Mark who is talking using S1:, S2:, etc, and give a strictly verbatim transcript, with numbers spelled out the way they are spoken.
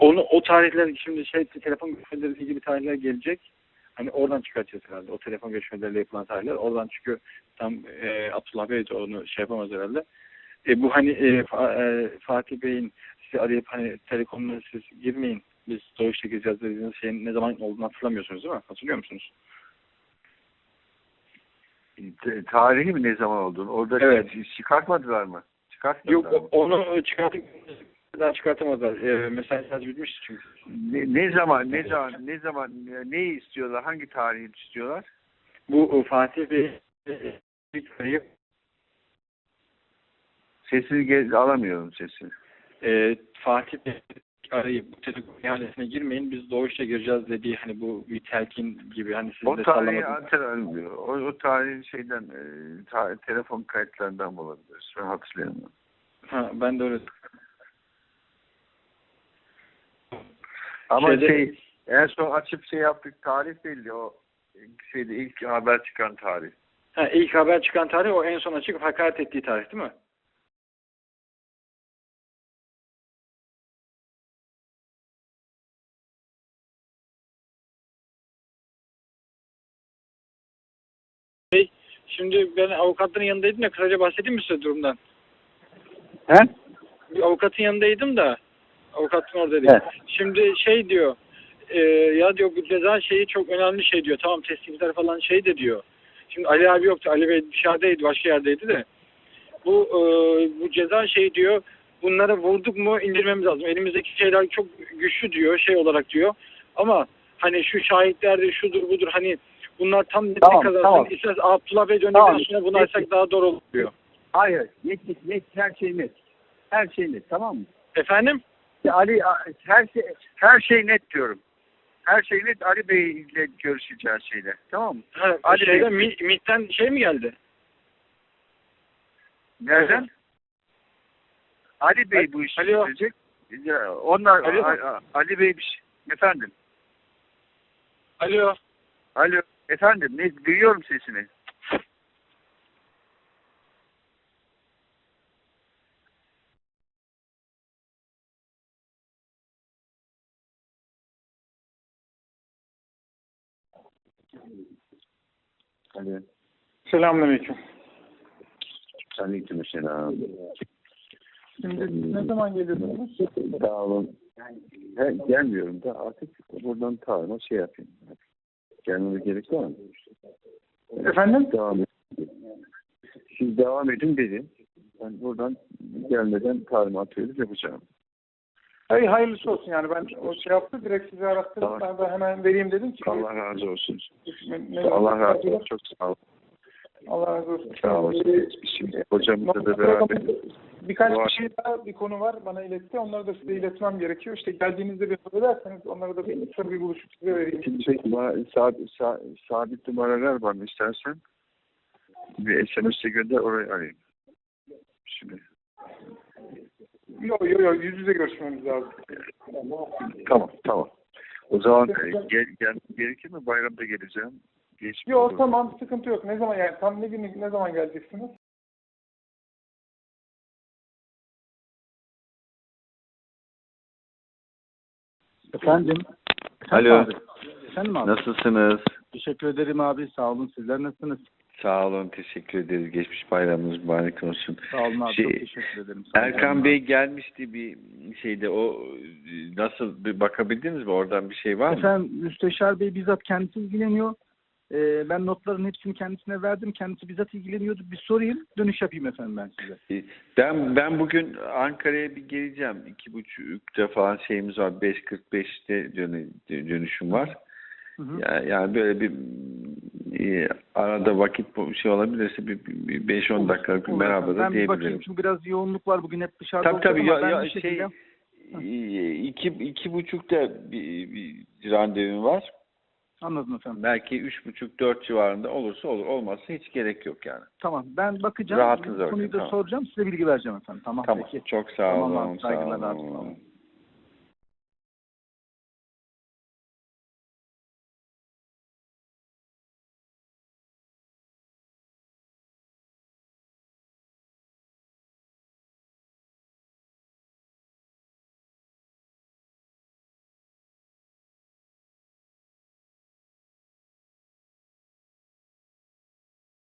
S1: Onu o tarihler şimdi şey telefon görüşmeleriyle ilgili tarihler gelecek. Hani oradan çıkartacağız herhalde. O telefon görüşmeleriyle yapılan tarihler. Oradan çünkü tam e, Abdullah Bey de onu şey yapamaz herhalde. E, bu hani e, Fa, e, Fatih Bey'in sizi arayıp hani telekomuna siz girmeyin. Biz Doğuş'ta gireceğiz dediğiniz şeyin ne zaman olduğunu hatırlamıyorsunuz değil mi? Hatırlıyor musunuz?
S2: T- Tarihi mi ne zaman olduğunu? Orada
S1: Evet.
S2: çıkartmadılar mı? Çıkartmadılar
S1: Yok
S2: mı?
S1: onu çıkartıp daha çıkartamazlar. E, mesaj bitmişti çünkü.
S2: Ne, ne zaman ne zaman ne zaman neyi istiyorlar? Hangi tarihi istiyorlar?
S1: Bu e, Fatih Bey e,
S2: Sesini gel alamıyorum sesini.
S1: e, Fatih Bey arayıp bu telekom ihalesine girmeyin biz Doğuş'ta gireceğiz dediği hani bu bir telkin gibi hani siz
S2: O
S1: de
S2: tarihi
S1: sallamadınız.
S2: hatırlamıyor. O, o tarihi şeyden e, ta, telefon kayıtlarından bulabiliriz. Ben hatırlayamıyorum.
S1: Ha, ben de öyle.
S2: Ama
S1: Şeyde,
S2: şey en son açıp şey yaptık tarih belli. O şeyde ilk haber çıkan tarih.
S1: ha, ilk haber çıkan tarih o en son açık hakaret ettiği tarih değil mi? Şimdi ben avukatların yanındaydım da kısaca bahsedeyim mi size durumdan?
S2: He?
S1: Bir avukatın yanındaydım da avukatın oradaydı.
S2: Evet.
S1: Şimdi şey diyor e, ya diyor bu ceza şeyi çok önemli şey diyor. Tamam teslimler falan şey de diyor. Şimdi Ali abi yoktu. Ali Bey dışarıdaydı. Başka yerdeydi de. Bu e, bu ceza şey diyor. Bunlara vurduk mu indirmemiz lazım. Elimizdeki şeyler çok güçlü diyor. Şey olarak diyor. Ama hani şu şahitlerdir şudur budur hani bunlar tam netlik
S2: Tamam,
S1: kazansın.
S2: tamam.
S1: İsterseniz Abdullah Bey döndükten
S2: Tamam,
S1: sonra bunu
S2: peki.
S1: açsak daha doğru olur diyor.
S2: Hayır. Net, net, her şey net. Her şey net, tamam mı?
S1: Efendim?
S2: Ya Ali her şey her şey net diyorum. Her şey net Ali Bey ile görüşeceğiz şeyle. Tamam mı?
S1: Ha,
S2: Ali
S1: şeyde
S2: Bey.
S1: Mi- MİT'ten şey mi geldi?
S2: Nereden? Ali Bey bu işi
S1: Alo.
S2: çözecek. Ya, Onlar
S1: Alo.
S2: A- A- Ali Bey bir şey. Efendim.
S1: Alo.
S2: Alo. Efendim. Ne duyuyorum sesini. Alo.
S1: Selamünaleyküm.
S2: Aleykümselam.
S1: Şimdi ne zaman geliyorsunuz?
S2: Sağ olun. He, gelmiyorum da artık buradan tarihime şey yapayım. Gelmeme gerek var mı?
S1: Efendim?
S2: Devam edin. Siz devam edin dedim. Ben buradan gelmeden talimatı yapacağım.
S1: Hayır hayırlısı olsun yani ben o şey yaptı direkt sizi arattırdım
S2: Tamam.
S1: ben de hemen vereyim dedim ki.
S2: Allah razı olsun.
S1: Ne- ne-
S2: Allah razı olsun. Çok sağ olun.
S1: Allah razı olsun.
S2: Sağ olun. Şimdi hocamızla da beraber
S1: Birkaç
S2: Var.
S1: bir şey daha bir konu var bana iletti. Onları da size iletmem gerekiyor. İşte geldiğinizde bir haber ederseniz onları da bir, bir buluşup size vereyim.
S2: Şimdi bana sabit, sabit numaralar var mı istersen? Bir S M S'e gönder oraya arayayım. Şimdi.
S1: Yok yok yok yüz yüze görüşmemiz lazım.
S2: Tamam tamam. O zaman gel, gel, gerekir mi? Bayramda geleceğim. Geç mi
S1: Yok
S2: olur?
S1: tamam sıkıntı yok. Ne zaman yani tam ne gün ne zaman geleceksiniz?
S3: Efendim.
S4: Alo.
S3: Abi. Efendim abi.
S4: Nasılsınız?
S3: Teşekkür ederim abi. Sağ olun. Sizler nasılsınız?
S4: Sağ olun, teşekkür ederiz. Geçmiş bayramınız mübarek olsun.
S3: Sağ olun abi.
S4: Şey,
S3: Çok teşekkür ederim. Sağ olun
S4: Erkan
S3: abi.
S4: Bey gelmişti bir şeyde. O nasıl bir bakabildiniz mi? Oradan bir şey var mı?
S3: Efendim Müsteşar Bey bizzat kendisi ilgileniyor. Ee, ben notların hepsini kendisine verdim. Kendisi bizzat ilgileniyordu. Bir sorayım. Dönüş yapayım efendim ben size.
S4: Ben ben bugün Ankara'ya bir geleceğim. İki buçukta falan şeyimiz var. beş kırk beşte dönüşüm var.
S3: Hı hı.
S4: Yani, yani böyle bir e, arada vakit bu şey olabilirse bir, bir beş on dakikalık bir
S3: Olur
S4: merhaba
S3: efendim.
S4: da
S3: Ben bir bakayım
S4: diyebilirim.
S3: çünkü biraz yoğunluk var. Bugün hep dışarıda
S4: Tabii tabii
S3: olacağım
S4: ya,
S3: ama ben
S4: ya
S3: bir
S4: şey
S3: şekilde...
S4: e, iki iki buçukta bir, bir randevum var.
S3: Anladım efendim.
S4: Belki üç buçuk dört civarında olursa olur, olmazsa hiç gerek yok yani.
S3: Tamam. Ben bakacağım.
S4: Rahatız
S3: Bu konuyu
S4: orada,
S3: da
S4: tamam.
S3: soracağım. Size bilgi vereceğim efendim. Tamam,
S4: Tamam.
S3: peki.
S4: Çok sağ
S3: Tamam
S4: olun.
S3: abi.
S4: Sağ
S3: Saygılar abi. Sağ
S4: olun.
S3: olun.